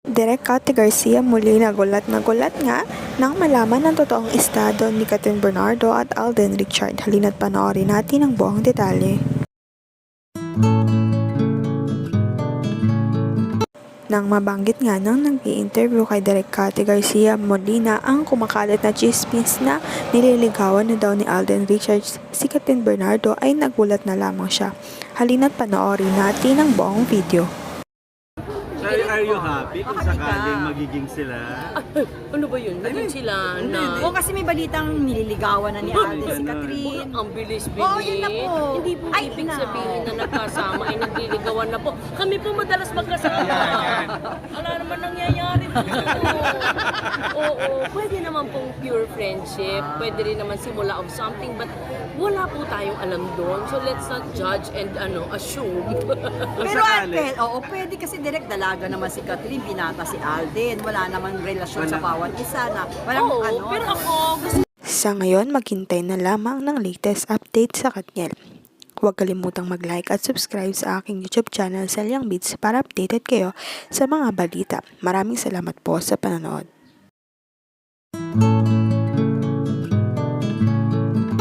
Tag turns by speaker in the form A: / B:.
A: Direk Cathy Garcia muli nagulat na gulat nga nang malaman ang totoong estado ni Kathryn Bernardo at Alden Richard. Halina't panoorin natin ang buong detalye. Nang mabanggit nga nang nag-i-interview kay Direk Cathy Garcia Molina ang kumakalat na chismis na nililigawan na daw ni Alden Richards si Kathryn Bernardo ay nagulat na lamang siya. Halina't panoorin natin ang buong video.
B: Are you happy kung sakaling magiging sila?
C: Ano ba yun? Naging sila na...
D: Oo, kasi may balitang nililigawan na ni Alden si Kathryn.
C: Ang bilis-bilis.
D: Oo, yun na po.
C: Hindi po
D: Ay,
C: ibig
D: na.
C: sabihin na nagkasama ay nagliligawan na po. Kami po madalas magkasama. Wala naman nangyayari po. Oo, pwede naman pong pure friendship. Pwede rin naman simula of something. But wala po tayong alam doon. So let's not judge and assume.
D: Pero Alden, oo, pwede kasi direct dalaga naman si Kathryn, binata si Alden. Wala namang relasyon sa bawat isa na. Walang
C: Oo, pero ako gusto
A: Sa ngayon, maghintay na lamang ng latest update sa Katniel. Huwag kalimutang mag-like at subscribe sa aking YouTube channel, Selyang Beats, para updated kayo sa mga balita. Maraming salamat po sa panonood.